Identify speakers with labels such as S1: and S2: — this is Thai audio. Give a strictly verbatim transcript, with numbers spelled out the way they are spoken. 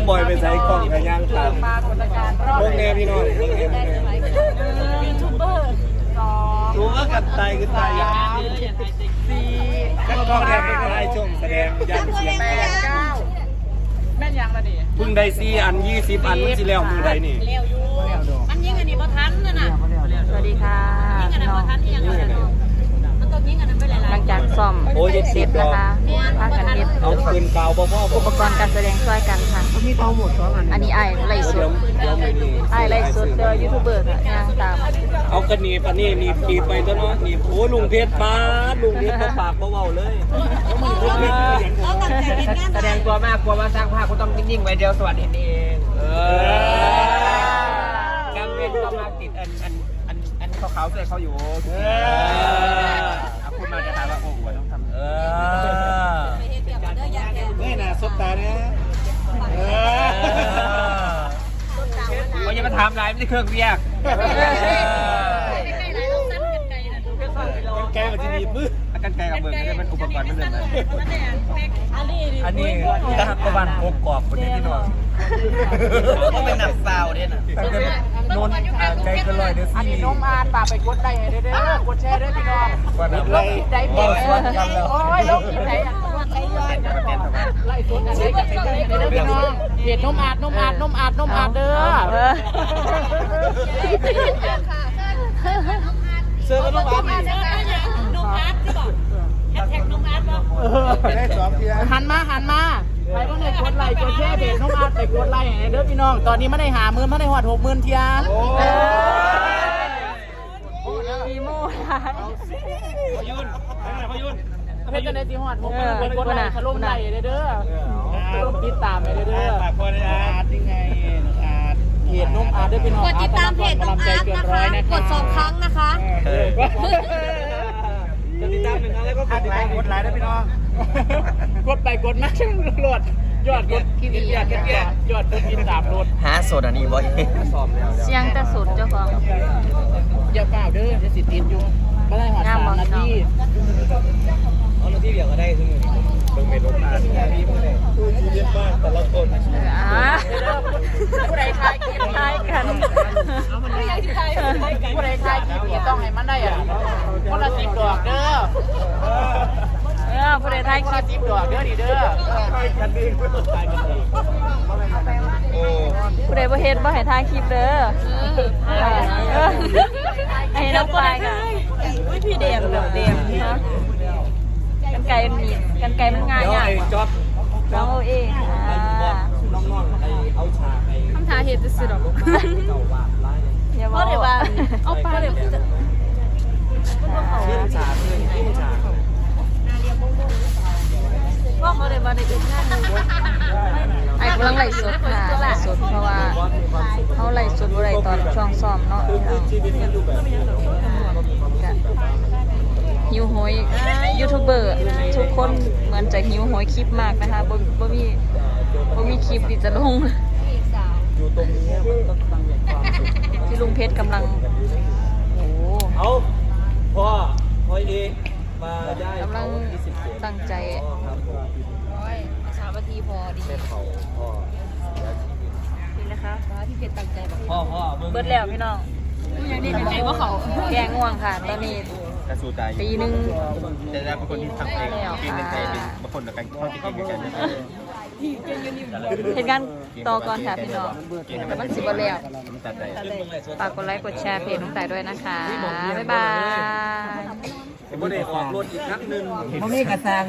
S1: บอยไปใส่กล้องกับย่างตามพวกแนวพี่น้อง
S2: ยูทูบเบอร์สอง
S1: รู้ว่ากันตายคือตายยากสี่ก็ต้องแทนเป็นอะไรช่วงแสดงยันเสียง
S2: แปดเก้าแม่นยังละดิ
S1: พึ่งได้สี่อันยี่สิบอันมันสิแล้วมือใดนี่
S3: เร็วอยู่มันยิงอันนี้บ่ทันน่ะน่ะ
S2: สวัสดีค่ะ
S3: ยิงอันนั้นบ่ทันที่ยังมันต้องยิงอันนั้นไปหลายๆ
S2: หลังจากซ่อมเสร็จนะคะพากันเฮ็ด
S1: เอาปืนเก่าบ่พ่อ
S2: อุปกรณ์การแสดงช่วยกันค่ะมีเตาหมดสองอันอันนี้ไอ้ไล่ส
S1: เดี๋ยว
S2: ด
S1: เดี๋ยวไม่นี่
S2: ไอ้ไล่สดเด้อยูทูบเบอร์ค่ะย่างตาม
S1: เอากระหนีปะนี่หนีปีไปตัวเนาะหนีโอ้ลุงเพชรป้าลุงเพชรปากเบาๆเลยแสดงตัวมากกลัวว่าสร้างภาพก็ต้องนิ่งๆไว้เดียวสวัสดีเองเออกำเว้นก็มาติดอันอันอันอันขาวๆเสื้อเขาอยู่เออคุณมาจะถามว่าโอ้โหต้องทำเออไม่น่าสบตาเนี่ยเออเขาจะมาถามอะไรไม่ใช่เครื่องเรียกแกมันจะมีมือกันไกลกับเบิร์นจะเป็นอุปกรณ์ไม่เดินเลยอันนี้ทักประวันโกกรอบคนนี้ที่นอนก็เป็นหนักเปล่าเนี่ยนะนนใจก็ลอยเดือดอันนี้น้องอาฝากไปกดไลค์ให้เด้อกดแชร์ด้วยพี่น้องกดไลค์ได้เปิดโอ้ยลงคลิปไหนอ่ะไล่สุดอันนี้กับเป็นเด้อพี่น้องเห็ดนมอาดนมอาดนมอาดนมอาดเด้อเสื้อก็นมอาดหันมาหันมาใครบ้างเนี่ยกดไลค์กดแชร์เพจน้องอาร์ตไปกดไลค์ให้เด้อพี่น้องตอนนี้ไม่ได้หาหมื่นไม่ได้หอดหกหมื่นเทียอีโม่พยุนพยุนเพจกันในที่หอดหกหมื่นไปกดไลค์ถล่มไลค์เด้อติดตามไปเด้อฝากคนอาร์ตยังไงอาร์ตเพจน้องอาร์ตด้วยพี่น้อง
S3: กดติดตามเพจน้องอาร์ตนะคะกดสองครั้งนะคะ
S1: กดติดตามหนึ่งครั้งแล้วก็กดติดตามกดไลค์ด้วยพี่น้องกดไปกดมาช่างโหลดยอดกดคิดยอดคิดยอดกดติดตามโหลด
S4: หาโซดอันนี้บ่อย
S2: เสียงแต่สุดเจ้าของ
S1: อย่าเปล่าเด้อจะสิติดอยู่ก็ได้หอดสามนาทีเอานาทีเดียวก็ได้ซึ่งเบิ่งเมนูมาที่พวกนี้คือชีวิตมากแต่ละคน
S2: อ่า
S1: ผู้ใดทายกิน
S2: ทายกัน
S1: ผู้ใดทายกินต้องให้มันได้อ่ะคนละสิบดอกเด้อ
S2: เออผู้ใดทายคลิป
S1: สิบดอกเด้อดีเด้อทายกันดีทายกันดีโอ้
S2: ผู้ใดบ่เฮ็ดบ่ให้ทายคลิปเด้อให้น้องปลายค่ะอุ้ยพี่เดมแบบเดมเนาะกันไก่มันมีกันไก่มันง่ายอ่ะ
S1: จ๊อบ
S2: น้องโอเออ่า
S1: น้องๆไอ้เอาฉากไอ้
S2: คำถามเฮ็ดซื่อๆดอกอย่าว่าเอาไปเลย
S1: ชื่อฉากเลยชื่อฉาก
S2: ว่าเขาได้มาในอื่นงานไอ้กำลังไล่สดค่ะไล่สดเพราะว่าเขาไล่สดอะไรตอนช่วงซ้อมเนาะหิวโหยยูทูบเบอร์ทุกคนเหมือนจะหิวโหยคลิปมากนะคะบ่บ่มีบ่มีคลิปที่จะลง
S1: อยู่ตรงนี้มันต้องตั้งใจความสุข
S2: ที่ลุงเพชรกำลังโอ้
S1: เอาพ่อพ่อดีมาได้
S2: กำลังตั้งใจ
S3: สามนาทีพอดี
S1: เล่นเขาพ่อ
S2: นี่นะคะพี่เพชรตั้งใจแบบ
S1: พ่อพ่อ
S2: เบิดแล้วพี่น้อง
S3: อย่างนี้เป็นไงว่าเขา
S2: แกงง่วงค่ะตอนนี้
S4: กระสูใจ
S2: ตีหนึ่ง
S4: แต่เราเป็นคนที่ทำเองกินในใจเป็นบางคนกับการทอดกินกันนะ
S2: เหตุการณ์ต่อก่อนค่ะพี่น้องแต่มันสิบแล้วฝากกดไลค์กดแชร์เพจน้องแต่ด้วยนะคะบ๊ายบาย
S1: ผมไม่ได้ออกรถอีกครั้งหนึ่ง
S4: เขามีกระซัง